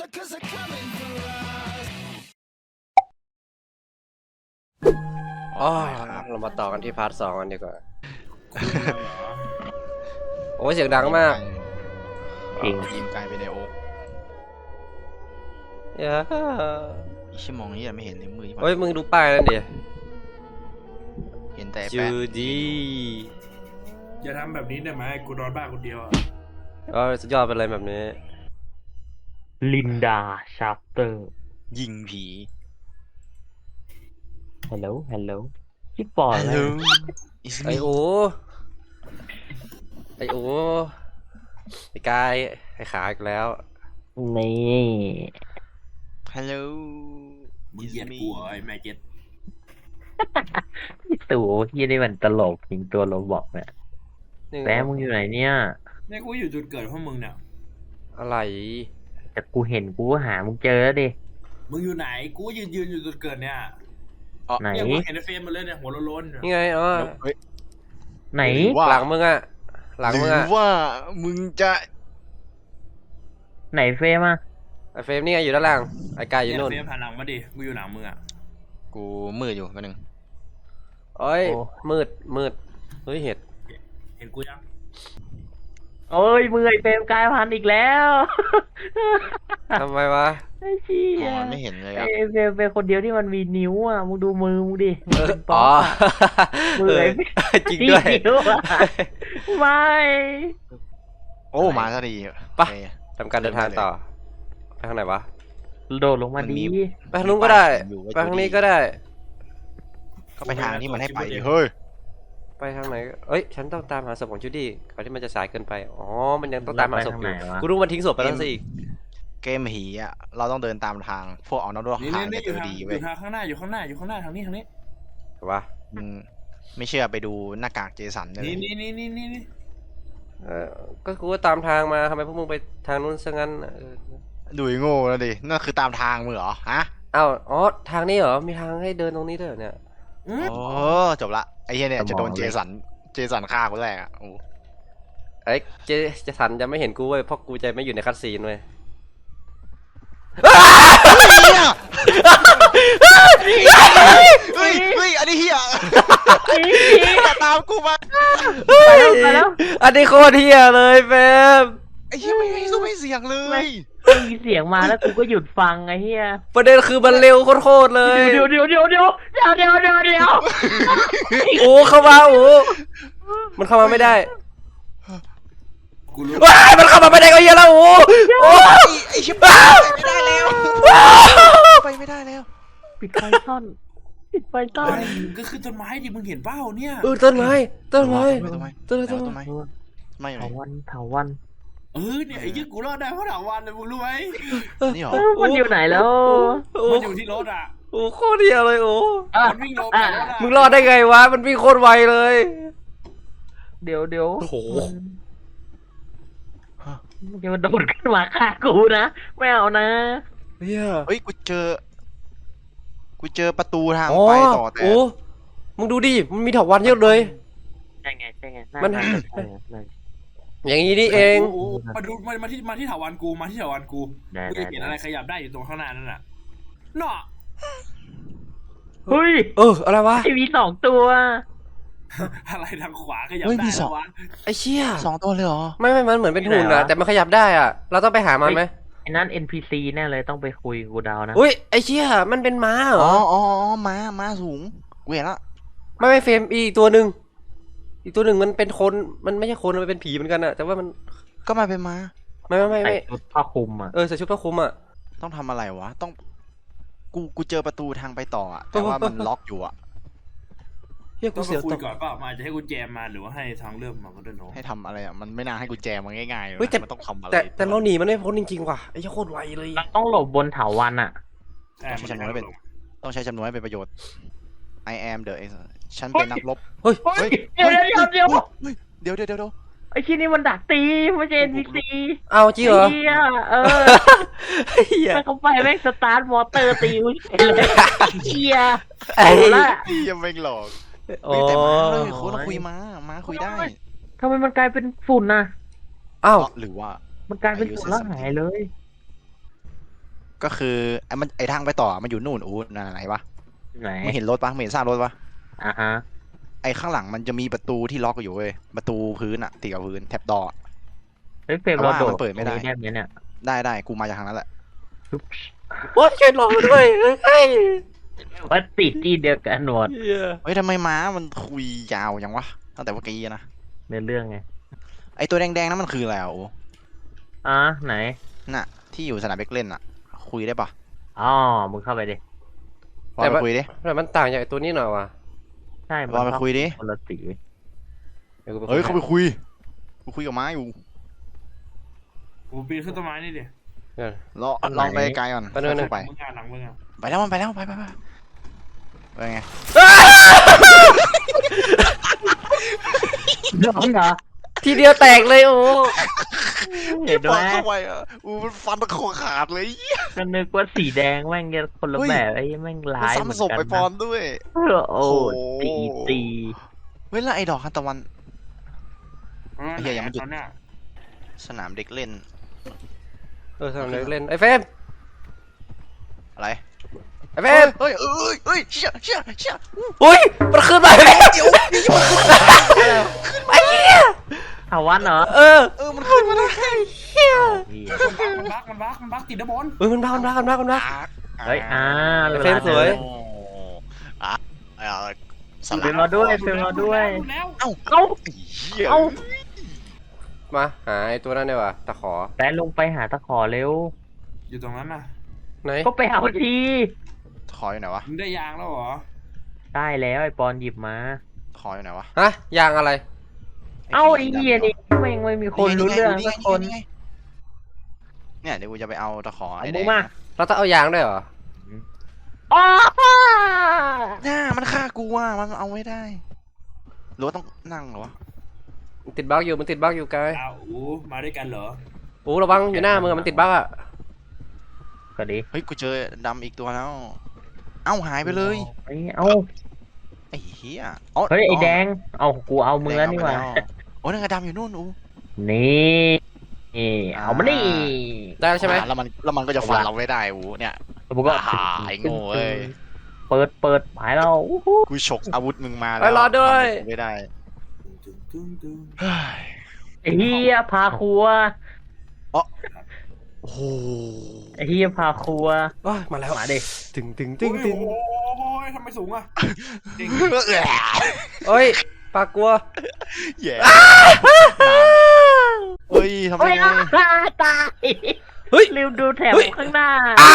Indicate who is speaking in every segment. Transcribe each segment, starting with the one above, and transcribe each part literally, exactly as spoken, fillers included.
Speaker 1: อ๋อเรามาต่อกันที่พาร์ทสองกันดีกว่า โอ้เสียงดังมาก
Speaker 2: จริงยิงไกลไปในโอ๊ก
Speaker 1: เย้
Speaker 2: อีชั่วโมงนี้ยังไม่เห็นเลยมือ
Speaker 1: เฮ้ยมึงดูป้ายนั่นดิ
Speaker 2: เห็นแต่
Speaker 1: จู
Speaker 2: แปะ
Speaker 1: ดี
Speaker 3: อย่าทำแบบนี้ได้ไหมกูนอนบ้านคนเดียวอ่ะ
Speaker 1: ก็สุดยอดเป็นอะไรแบบนี้
Speaker 4: ลินดาชาร์เตอร์
Speaker 2: ยิงผี
Speaker 4: ฮัลโหลฮัลโหลพี่ปอน
Speaker 2: ฮัลโหล It's
Speaker 1: ไอ
Speaker 2: me
Speaker 1: โอไอโอไอกายไอขาอีกแล้ว
Speaker 4: นี่
Speaker 2: ฮัลโหล
Speaker 3: มึงเหยียดกูเหรอไอ้แม่เจ็ด
Speaker 4: พี่ตู่ที่นี่มันตลกจริงตัวโรบอกเนี่ย
Speaker 1: นี่
Speaker 4: แป๊มึงอยู่ไหนเนี่ย
Speaker 3: เนี่ยกูอยู่จุดเกิดพวกมึงเนี่ย
Speaker 1: อะไร
Speaker 4: แต่กูเห็นกูก็หามึงเจอแล้วดิ
Speaker 3: มึงอยู่ไหนกูยืนยืนอยู่จุดเกิดเนี่ย
Speaker 4: ไหน
Speaker 3: เนี่ยกูเห็นในเฟรมมาเลยเนี่ยหัวโล้นๆเนี่ย
Speaker 1: นี่ไงอ๋อ
Speaker 2: เฮ้ย
Speaker 4: ไหน
Speaker 2: ว่า
Speaker 1: หลังมึงอะหลัง
Speaker 2: ห
Speaker 1: มึง
Speaker 2: รือ
Speaker 1: อะ
Speaker 2: ว่ามึงจะ
Speaker 4: ไหนเฟรมอ่ะ
Speaker 1: ไอเฟรมนี่ไงอยู่ด้านล่างไอกายอยู่
Speaker 3: เนี่ย
Speaker 1: นู่น
Speaker 3: เฟรมผ่านหลังมาดิกูอยู่หลังมึงอ่ะ
Speaker 2: กูมืดอยู่แป๊บนึง
Speaker 1: เอ้ยมืดมืดเฮ้ยเห็ด
Speaker 3: เห็นกูยัง
Speaker 4: โอ้ยมือไอเฟรมกลายพันธุ์อีกแล้ว
Speaker 1: ทำไมวะ
Speaker 4: ไอ้เชี่
Speaker 2: อ๋
Speaker 4: ย
Speaker 2: อไม่เห็นเลย
Speaker 4: ไอ
Speaker 2: อะ
Speaker 4: เฟรมเป็นคนเดียวที่มันมีนิ้วอ่ะมึงดูมือมึงดิมึง
Speaker 1: เออ
Speaker 4: เป็นป๊
Speaker 1: อ๋
Speaker 4: อ
Speaker 1: อ
Speaker 4: ปอะ มือ
Speaker 1: เอ
Speaker 4: ไอ้
Speaker 1: อจริงด้วย
Speaker 4: นิ้วอะ ไม่
Speaker 2: โอ้มาซะดี
Speaker 1: ไป
Speaker 2: โอเค
Speaker 1: ทำการเดินทางต่อไปทางไหนวะ
Speaker 4: โดดลงมาดี
Speaker 1: ไปทางนู้นก็ได้
Speaker 2: อยู่ว่า
Speaker 1: ไปทางนี้ก็ได้
Speaker 2: ก็ไปทางที่มันให้ไปดิเฮ้ย
Speaker 1: ไปทางไหนเอ้ย ฉันต้องตามหาศพของจูดี้ก่อนที่มันจะสายเกินไป อ๋อ มันยังต้องตามหาศพอยู่
Speaker 4: แล้วไปทางไหนวะ
Speaker 1: กูรู้มันทิ้งศพไปแล้วสิอีก
Speaker 2: เกมผีอ่ะเราต้องเดินตามทางพวกเอาน้องด้วย
Speaker 3: นี่
Speaker 2: ทาง
Speaker 3: นี่
Speaker 2: จะ
Speaker 3: นี่อ
Speaker 2: เจ
Speaker 3: ยู่
Speaker 2: อ
Speaker 3: ทางอ
Speaker 2: ดีเว้ย
Speaker 3: ยู่ทางข้างหน้าอยู่ข้างหน้าอยู่ข้างหน้าทางนี้ทางนี้
Speaker 1: แต่ว่า
Speaker 2: มึงไม่เชื่อไปดูหน้ากากเจสันเลย
Speaker 3: นี่นี่นี่นี่นี่นี่
Speaker 1: เออก็กูก็ตามทางมาทำไมพวกมึงไปทางนู้นซะงั้นเออ
Speaker 2: ดูไอ้โง่แล้วดินั่นคือตามทางมึงเหรอฮะ
Speaker 1: อ้าวอ๋อ ทางนี้เหรอ มีทางให้เดินตรงนี้ด้วยเหรอเนี่ย
Speaker 3: อืม
Speaker 2: โอ้จบละไอ้เหี้ยเนี่ยจะโดนเจสันเจสันฆ่าคนแรกอ่ะโอ้
Speaker 1: เอ้ยเจเจะสันจะไม่เห็นกูเว้ย เพราะกูจะไม่อยู่ในคัตซีนเว้ย
Speaker 2: เฮ้ยเฮ้ยอันนี้เหี้ยตามกูมา
Speaker 4: ไปแล้วไปแล้ว
Speaker 1: อันนี้โคตรเฮียเลยเฟม
Speaker 2: ไอ้เหี้ยไม่ไม่สู้ไม่เสียงเลย
Speaker 4: ไม่มีเสียงมาแล้วกูก็หยุดฟังไอ้เหี้ย
Speaker 1: ประเด็นคือมันเร็วโคตรๆเลย
Speaker 4: เดี๋ยวเดี๋ยวเดี๋ยวเดี๋ยวเดี๋ยวเดี๋ยวเดี๋ยวเดี๋ยว
Speaker 1: โอ้เข้ามาโอ้มันเข้ามาไม่ได้
Speaker 3: กูรู้
Speaker 1: ว้ายมันเข้ามาไม่ได้ก็เหี้ยแล้วโอ้โอ้
Speaker 2: ไอ้ไอ้ชิบหายไม่ได้แล้วไปไม่ได้แล้ว
Speaker 4: ปิดไฟซ่อนปิดไฟซ่อน
Speaker 3: ก็คือต้นไม้ดิมึงเห็นเป้าเนี่ย
Speaker 1: เออต้นไม้ต้นไม้
Speaker 2: ทำไม
Speaker 1: ต้นไม้ต้
Speaker 2: ทำ
Speaker 1: น
Speaker 2: ไม
Speaker 1: ไม้
Speaker 2: ทำไมไม่
Speaker 4: เถาวันเถาวัน
Speaker 3: เออเนี่ยไอ้ยี่กูรอดได้เพราะถาวรเลยมึงรู้ไหม
Speaker 2: นี่หรอ
Speaker 4: เออมันอยู่ไหนแล้ว
Speaker 1: โอ้
Speaker 3: มันอยู่ที่รถอ่ะ
Speaker 1: โอ้โคตรเดียวเลยโอ้
Speaker 4: อ่ะ
Speaker 3: มันวิ่งลงจากรถอ่ะ
Speaker 1: มึงรอดได้ไงวะมันวิ่งโคตรไวเลย
Speaker 4: เดี๋ยวเดี๋ยว
Speaker 1: โอ้โห
Speaker 4: มันจะมาโดดขึ้นมาฆ่ากูนะไม่เอานะ
Speaker 1: เฮีย
Speaker 2: เฮ้ยกูเจอกูเจอประตูทาง
Speaker 1: อ๋อ
Speaker 2: ไปต่อแต่
Speaker 1: โอ้มึงดูดิมันมีเถาวัลย์เยอะเลย
Speaker 4: ใช่ไงใช่ไง
Speaker 1: มัน
Speaker 4: น่าจะใช่ไง
Speaker 1: อย่างนี้นี่เอง
Speaker 3: โอ้โหมาดูมามาที่มาที่ถาวรกูมาที่ถาวรกู
Speaker 4: ได้
Speaker 3: กู
Speaker 4: ได้
Speaker 3: จะเห็นอะไรขยับได้อยู่ตรงข้างหน้านั่นน่ะเนาะ
Speaker 4: เฮ้ย
Speaker 1: เอออะไรวะ
Speaker 4: ไอมีสองตัว
Speaker 3: อะไรทางขวาขยับได้แล้ววะ
Speaker 1: ไอ้เชี่ย
Speaker 2: สองตัวเลยเหรอ
Speaker 1: ไม่ไม่มันเหมือนเป็นหุ่นอะแต่มันขยับได้อะเราต้องไปหามันไหม
Speaker 4: ไอ้นั่น เอ็น พี ซี แน่เลยต้องไปคุยกูเดานะ
Speaker 1: อุ้ยไอ้เชี่ยมันเป็นม้าเหร
Speaker 2: อ๋อ
Speaker 1: อ
Speaker 2: อ๋อม้าม้าสูงกูเห็นละ
Speaker 1: ไม่ไม่เฟรมอีกตัวหนึ่งอีกตัวหนึ่งมันเป็นคนมันไม่ใช่คนมันเป็นผีเหมือนกันอะแต่ว่ามัน
Speaker 2: ก็มาเป็นม้า
Speaker 1: ไม่ไม่ไม่
Speaker 4: ใส่
Speaker 1: ไม่
Speaker 4: ชุดผ้าคลุมอ่ะ
Speaker 1: เออใส่ชุดผ้าคลุมอะ
Speaker 2: ต้องทำอะไรวะต้องกูกูเจอประตูทางไปต่ออะแต่ว่ามันล็อกอยู่อะ
Speaker 1: เฮียกู
Speaker 3: ต้องไป
Speaker 1: เสียว
Speaker 3: คุ
Speaker 1: ต
Speaker 3: ย
Speaker 1: ก
Speaker 3: ก่อนเปล่ามาจะให้กุญแจมาหรือว่าให้ทางเลือกมาก็ได้เนาะ
Speaker 2: ให้ทำอะไรอะมันไม่น่าให้กูแจมันง่ายๆเลย
Speaker 1: เฮ้ยแต่
Speaker 2: มันต้องทำอะไร
Speaker 1: แต่แต่เราหนีมันไม่พ้นจริงๆว่ะไอ้เหี้ยโคตรไวเลย
Speaker 4: เราต้องหลบบนเถาวันอ่ะ
Speaker 2: ต้องใช้จำนวนให้เป็นต้องใช้จำนวนให้เป็นประโยชน์ I am the ฉันเป็นนักรบ
Speaker 1: เฮ้ย
Speaker 4: เฮ้ยเดี๋ยวเดี๋ยวเดี๋ยว
Speaker 2: เฮ้ยเดี๋ยวเดี๋ยวเดี๋ยวเดี๋ยว
Speaker 4: ไอ้ที่นี่มันดักตีไม่ใช่ เอ็น พี ซี
Speaker 1: เอาจริงเหรอ
Speaker 4: เฮียเออ
Speaker 1: เฮีย
Speaker 4: มันเข้าไปแม่งสตาร์ทมอเตอร์ตีมึงเลยเฮีย
Speaker 1: ไอ้
Speaker 4: เอาละ
Speaker 2: พี่ยังไม่หลอก
Speaker 1: โอ้
Speaker 2: เฮ้ยแต่ม้าเลยโค้ดเราคุยม้าม้าคุยได้
Speaker 4: ทำไมมันกลายเป็นฝุ่นน่ะ
Speaker 1: อ้าว
Speaker 2: หรือว่า
Speaker 4: มันกลายเป็นฝุ่นแล้วหายเลย
Speaker 2: ก็คือไอ้มันไอ้ทางไปต่อมันอยู่นู่นอู้นั่นไหนวะ
Speaker 4: ไหน
Speaker 2: ไม่เห็นรถปะไม่เห็นซากรถปะ
Speaker 4: อ่ะฮะ
Speaker 2: ไอ้ข้างหลังมันจะมีประตูที่ล็อกอยู่เว้ยประตูพื้นอะติดกับพื้นแท็บดอ
Speaker 4: เฮ้ยเฟรม
Speaker 2: แต่
Speaker 4: เรา
Speaker 2: ว่า
Speaker 4: โดด
Speaker 2: มันเปิดไม่ได้
Speaker 4: ตรงนี้ได้ไหมเนี่ย
Speaker 2: ได้ได้กูมาจากทางนั้นแหละ
Speaker 4: ปึ๊บ
Speaker 1: โอ้ยช่วยรอด้วยเฮ้ย
Speaker 4: ว่าติดที่เดียวกันหมด
Speaker 1: เหี้ย
Speaker 2: เฮ้ยทำไมม้ามันคุยยาวยังวะตั้งแต่เมื่อกี้นะ
Speaker 4: ในเรื่องไง
Speaker 2: ไอ้ตัวแดงๆนั้นมันคืออะไรอ่ะโอ้
Speaker 4: อ่ะไหน
Speaker 2: น่ะที่อยู่สนามเด็กเล่นอะคุยได้ปะ
Speaker 4: อ๋อมึงเข้าไปดิ
Speaker 2: ลองไปคุยดิ
Speaker 1: แต่มันต่างจากไอ้ตัวนี้หน่อยวะ
Speaker 4: ใช่มัน
Speaker 2: ลองไปคุยดิ
Speaker 4: คนละสี
Speaker 1: ดี๋วกูไป
Speaker 2: เฮ้ย
Speaker 1: คุ
Speaker 2: เขาไปคุยกูคุยกับม้าอยู่
Speaker 3: กูปีนขึ้นต้นไม้นี่ดิ
Speaker 1: เดี๋ยว
Speaker 2: ลองลองไปไกลก่อน
Speaker 1: ไปนู่น
Speaker 2: ค่อยๆไป
Speaker 3: มึงอ่านหลังมึงอ่ะ
Speaker 2: ไปแล้วมันไปแล้วไปไปไปไปไง
Speaker 4: น้องเหรอ
Speaker 1: ทีเดียวแตกเลยโอ้
Speaker 4: เห็นไหม
Speaker 2: เข้าไปอ่ะอู้มันฟันตะโคขาดเลย
Speaker 4: ก็นึกว่าสีแดงแม่งจะคนละ
Speaker 2: เฮ้ย
Speaker 4: แบบไอ้แม่ง
Speaker 2: มัน
Speaker 4: ร้ายเหมือน
Speaker 2: ซ้ำศพ
Speaker 4: กัน
Speaker 2: ไปปอ
Speaker 4: นะ
Speaker 2: นด้วย
Speaker 4: โอ้
Speaker 2: โอ้โห
Speaker 4: ตีตี
Speaker 2: เว้ยแล้วไอ้ดอกทานตะวัน
Speaker 3: เออ
Speaker 2: เหี้ยยังไม่หยุด
Speaker 3: ตอนเนี้ย
Speaker 2: สนามเด็กเล่น
Speaker 1: เออทำเด็กเล่นไอ้เฟรม
Speaker 2: อะไร
Speaker 1: ไอ้เฟร
Speaker 2: เฮ้ย
Speaker 1: ม
Speaker 2: เฮ้ยเอ้ยเฮ้ยเชี่ยเชี่ยเชี่ย
Speaker 1: อุ้ยมันขึ้นมาแล้ว
Speaker 2: เดี๋ยวนี่มันขึ้นมา
Speaker 1: ไอ้เหี้ย
Speaker 4: ถาวันเหรอ
Speaker 1: เออ
Speaker 2: เออมันขึ้นมาได้
Speaker 1: เหี้ย
Speaker 4: พี่
Speaker 3: มันบักมันบักมันบักติดด้านบน
Speaker 1: เฮ้ยมันบ้ามันบ้ามันบ้ามันบ้า
Speaker 4: เฮ้ยอ่า
Speaker 1: เฟรมสวย
Speaker 2: โอ้อ่ะอ่ะส
Speaker 4: เฟร
Speaker 2: ลั
Speaker 4: ม
Speaker 2: บ
Speaker 4: มาด้วยเฟรมมาด้วย
Speaker 3: หลุแล้ว
Speaker 2: เอ้า
Speaker 4: เอ้า
Speaker 2: ไอ้เหี้ย
Speaker 4: เอ้า
Speaker 1: มาหาไอ้ตัวนั้นดีกว่าตะขอ
Speaker 4: แต่ลงไปหาตะขอเร็ว
Speaker 3: อยู่ตรงนั้นน่ะ
Speaker 1: ไหน
Speaker 4: ก็ไปเอาที
Speaker 2: ขออยู่ไหนวะ
Speaker 3: มึงได้ยางแล้วเหรอ
Speaker 4: ได้แล้วไอ้ปอนหยิบมา
Speaker 2: ขออยู่ไหนวะ
Speaker 1: ฮะยางอะไร
Speaker 4: เอ้าไอ้เหี้ยนี่แม่งไม่มีคนรู้เรื่องสักคน
Speaker 2: ไงเนี่ยเดี๋ยวกูจะไปเอาตะขอ
Speaker 4: เอา
Speaker 2: ไอ้แด
Speaker 4: มึ
Speaker 2: ง
Speaker 4: งมา
Speaker 1: เราต้องเอายางด้วยเหรอ
Speaker 4: อ๋อ
Speaker 2: น่ามันฆ่ากูอ่ะมันเอาไม่ได้หรือว่าต้องนั่งเหรอวะ
Speaker 1: มันติดบั๊กอยู่มันติดบั๊กอยู่ไกล
Speaker 3: อ้าวอู้มาด้วยกันเหรอ
Speaker 1: โอ้ระวังอยู่หน้ามึงอะมันติดบั๊กอ่ะ
Speaker 4: ก็ดี
Speaker 2: เฮ้ยกูเจอดำอีกตัวแล้ว เอ้าหายไปเลย
Speaker 4: เฮ้ยเอ้า
Speaker 2: ไอ้เหี้ยอ๋อ
Speaker 4: เฮ้ยไอ้แดง เอากูเอามือนี่หว่า
Speaker 2: แดงเอไปแล้โอ้นั่นกระดำอยู่นู่นอู
Speaker 4: นี่นี่เอามานี่
Speaker 1: ได้แล้วใช่ไหม
Speaker 2: อ่าแล้วมันแล้วมันก็จะฟันเราไม่ได้อูเนี่ย
Speaker 4: แล้วผมก็
Speaker 2: อ่าไอ้โง่เอ้ย
Speaker 4: เปิดเปิดหายเราอู้หู
Speaker 2: กูฉกอาวุธมึงมาแล้ว
Speaker 1: เอ้ยรอด้วย
Speaker 2: ทำอะไรกูไม่ได้
Speaker 3: ตึ้งตึ้งตึ้ง
Speaker 2: เฮ้ย
Speaker 4: ไอ้เฮียพาครัว
Speaker 2: โอ้โห
Speaker 4: ไอ้เฮียพาครัว
Speaker 1: โอ้ยมาแล้ว
Speaker 4: มาดิ
Speaker 1: ถึงถึงถึงถึง
Speaker 3: โอ้โหทำไมสูงอ่ะจริง
Speaker 1: เอ้ยปลากลัว
Speaker 2: แย่เฮ้ยทำไม
Speaker 4: เฮ้ยอ่ะตาย
Speaker 1: เฮ้ย
Speaker 4: ลืมดูแถบข้างหน้า
Speaker 1: อ่า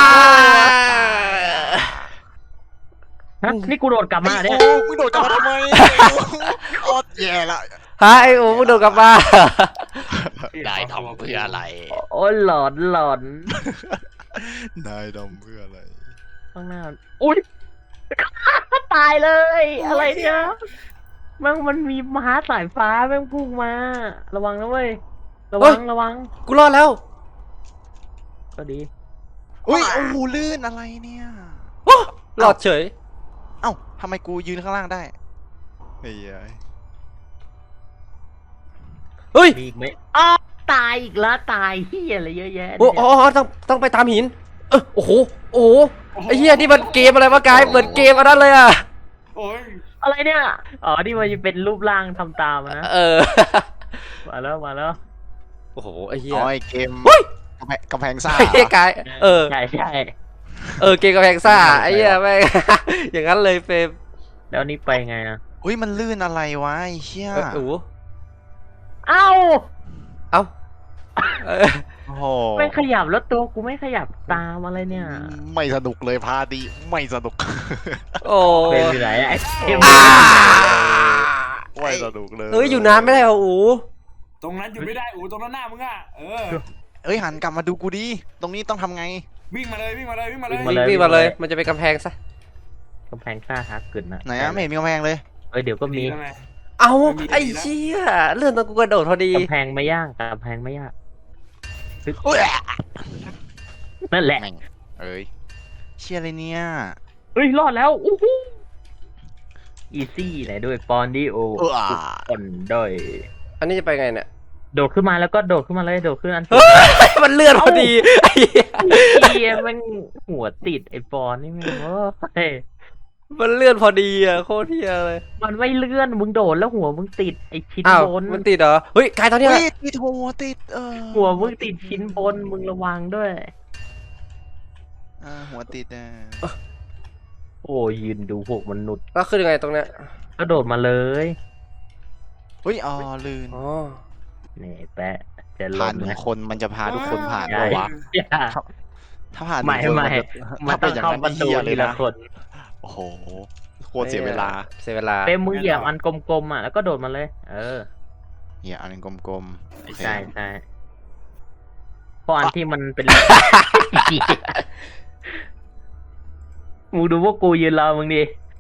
Speaker 4: ฮะนี่กูโดดกลับมา
Speaker 2: ไอ้
Speaker 4: เนี่ย
Speaker 2: โอ้มึงโดดกลับมาทำไมออดแย่ละ
Speaker 1: ฮะไอ้โอ้มึงโดนกลับมา
Speaker 2: ได้ทำเพื่ออะไร
Speaker 4: โอ้ยหลอนหลอน
Speaker 2: ได้ทำเพื่ออะไร
Speaker 4: ข้างหน้าอุ้ยตายเลย อะไรเนี่ยมันมันมีม้าสายฟ้าแม่งพุ่งมา ระวังนะเว้ยระวังระวัง
Speaker 1: กูรอดแล้ว
Speaker 4: ก็ดี
Speaker 2: อุ้ยโอ้โหลื่นอะไรเนี่ย
Speaker 1: โอ้รอดเฉย
Speaker 2: เอ้าทำไมกูยืนข้างล่างได้เฮ้ย
Speaker 1: เฮ้ย
Speaker 4: มีอีกไหมอ้าวตายอีกแล้วตายเฮียอะไรเยอะแยะ
Speaker 1: โอ้
Speaker 4: เนี่ย
Speaker 1: อ๋อต้องต้องไปตามหิน เออโอ้โหโอ้โหไอ้เหี้ยนี่มันเกมอะไรวะกายเหมือนเกมอันนั้นเลยอ่ะ
Speaker 3: โอ้ย
Speaker 4: อะไรเนี่ยอ๋อนี่มันจะเป็นรูปร่างทำตามอะนะ
Speaker 1: เออ
Speaker 4: มาแล้วมาแล้ว
Speaker 1: โอ้โหไอ้เหี้ย
Speaker 2: อ๋อไอเกม
Speaker 1: เฮ้ย
Speaker 2: กำแพงกำแพงซ่า
Speaker 1: ไอ้เหี้ยกายเออ
Speaker 4: ใช่ใช่
Speaker 1: เออเกมกระแพงซ่าไอ้เหี้ยแม่ง อย่างนั้นเลยเฟรม
Speaker 4: แล้วนี่ไปไงนะ
Speaker 2: อุ้ยมันลื่นอะไรวะไอ้เชี่ย
Speaker 1: เออโอ้โห
Speaker 4: เอ้า
Speaker 1: เอ้าเออ
Speaker 2: โอ้โห
Speaker 4: ไม่ขยับแล้วตัวกูไม่ขยับตามอะไรเนี่ย
Speaker 2: ไม่สนุกเลยพาดีไม่สนุก
Speaker 1: โอ้
Speaker 4: เป็นอยู่ไหนไอ้เอ็ม
Speaker 1: อ่า
Speaker 2: ไม่สนุกเลย
Speaker 1: เอ้ยอยู่นานไม่ได้เหรออู๋
Speaker 3: ตรงนั้นอยู่ไม่ได้อู้ตรงนั้นหน้ามึงอ่ะเออ
Speaker 2: เอ้ยหันกลับมาดูกูดิตรงนี้ต้องทำไง
Speaker 3: วิ่งมาเลยวิ่งมาเลยวิ่งมาเลย
Speaker 1: วิ่งวิ่งมาเลย มันจะเป็นกำแพงซะ
Speaker 4: กำแพงซ่าฮักกึนนะ
Speaker 2: ไหนอะไม่เห็นมีกำแพงเลย
Speaker 4: เอ้ยเดี๋ยวก็มี
Speaker 3: แล้วไง
Speaker 1: เอา
Speaker 3: ไม่มี
Speaker 1: ไอ้
Speaker 3: ดีแล้ว
Speaker 1: เชี่ยเลื่อนตอนกูกระโดดพอดี
Speaker 4: กำแพงไม่ยากกำแพงไม่ยาก
Speaker 2: อุ้ย
Speaker 4: นั่นแหละ
Speaker 2: แม่งเอ้ยเชี่ยอะไรเนี่ย
Speaker 4: เฮ้ยรอดแล้วอู้หูอีซี่ไหนด้วยปอนดิโอ
Speaker 2: เออ
Speaker 4: คนด้วย
Speaker 1: อันนี้จะไปไงเนี่ย
Speaker 4: โดดขึ้นมาแล้วก็โดดขึ้นมาเลยโดดขึ้นอัน
Speaker 1: เฮ้ยมันเลื่อนพอดีไอ้เหี้ย
Speaker 4: เหี้ยยแมันหัวติดไอ้ปอนนี่แม่งโอ้ย
Speaker 1: มันเลื่อนพอดีอ่ะโคตรเฮียเลย
Speaker 4: มันไม่เลื่อนมึงโดดแล้วหัวมึงติดไอ้ชิ้น
Speaker 1: อ้าว
Speaker 4: บน
Speaker 1: มันติดเหรอเฮ้ยกายตอนเนี้ย
Speaker 2: เฮ้ยติดหัวติดเออ
Speaker 4: หัวมึงติดชิ้นบนมึงระวังด้วย
Speaker 2: อ่าหัวติดอ่ะ
Speaker 4: โอ้ยยืนดูพวกมนุษย์
Speaker 1: แล้วคือยังไงตรงเนี้ย
Speaker 4: ก็โดดมาเลย
Speaker 2: เฮ้ยอ๋อลื่น
Speaker 1: อ๋อ
Speaker 4: นี่แปะจะล
Speaker 2: ผ่าน
Speaker 4: ง
Speaker 2: หนึ่ง
Speaker 4: นะ
Speaker 2: คนมันจะพาทุกคนผ่าน
Speaker 4: ใช่
Speaker 2: ปะวะ
Speaker 4: อย่า
Speaker 2: ถ้าผ่านห
Speaker 4: ไม่
Speaker 2: นึ่งคน
Speaker 4: ไม่
Speaker 2: มันจะ
Speaker 4: มัน
Speaker 2: ถ้า
Speaker 4: ต้
Speaker 2: เป็
Speaker 4: อน ง
Speaker 2: อย่าง
Speaker 4: เข้า
Speaker 2: นั้น
Speaker 4: ประ
Speaker 2: นี่
Speaker 4: ตู
Speaker 2: เหี้ยเล
Speaker 4: ที
Speaker 2: ย
Speaker 4: ละ
Speaker 2: นะ
Speaker 4: คน
Speaker 2: โอ้โหโคตรเสียเวลา
Speaker 1: เสียเวลา
Speaker 4: เป้มึงเหยียบอันกลมๆอ่ะแล้วก็โดดมาเลย เออ
Speaker 2: เหี้ยอันนึงกลมๆโอเค
Speaker 4: ใช่ใช่เพราะอันที่มันเป็น มึงดูพวกกูยืนรอมึงดิ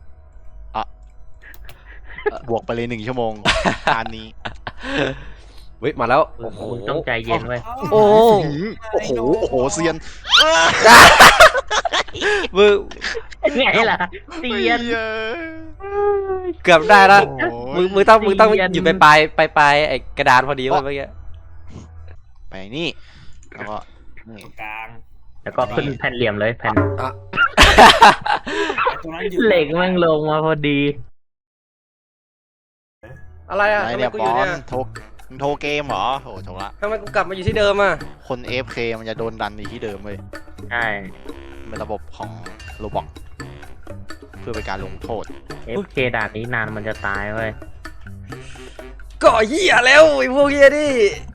Speaker 2: บวกไปเลยหนึ่งชั่วโมงอันนี้
Speaker 1: เฮ้ยมาแล้วโอ้โห
Speaker 4: มึงต้องใจเย็นไว้ย
Speaker 1: โอ้
Speaker 2: โอ้โหโอ้โหเซียน
Speaker 1: มึง
Speaker 4: ไงล่ะเตียน
Speaker 1: เกือบได้แล้ว
Speaker 2: โอ้โห
Speaker 1: มึงมึงต้องมึงต้อง
Speaker 4: เซียน
Speaker 1: อยู่ไปปลายปลายปลายไอ้กระดานพอดีเว้ยเมื่อกี้
Speaker 2: ไปนี่แล้วก็นี่
Speaker 3: ตรงกลาง
Speaker 4: แล้วก็ขึ้นแผ่นเหลี่ยมเลยแผ่น
Speaker 3: ตรงนั้นอยู่
Speaker 4: เหล็กแม่งลงมาพอดี
Speaker 1: อะไรอ่ะ
Speaker 2: ไหน
Speaker 1: ทำไม
Speaker 2: เนี่ย
Speaker 1: กู
Speaker 2: ป
Speaker 1: อยู่
Speaker 2: อ
Speaker 1: เนี่
Speaker 2: น
Speaker 1: ย
Speaker 2: โทรมึงโทรเกมเหรอโถโถละ
Speaker 1: ทำไมกูกลับมาอยู่ที่เดิมอ่ะ
Speaker 2: คน เอ เอฟ เค มันจะโดนดันในที่เดิมเลย
Speaker 4: ใช่
Speaker 2: เป็นระบบของโรบอกเพื่อเป็นการลงโทษ
Speaker 4: เอฟเคด่านนี้นานมันจะตายเว้ย
Speaker 1: ก็เหี้ยแล้วไอ้พวกเหี้ยนี่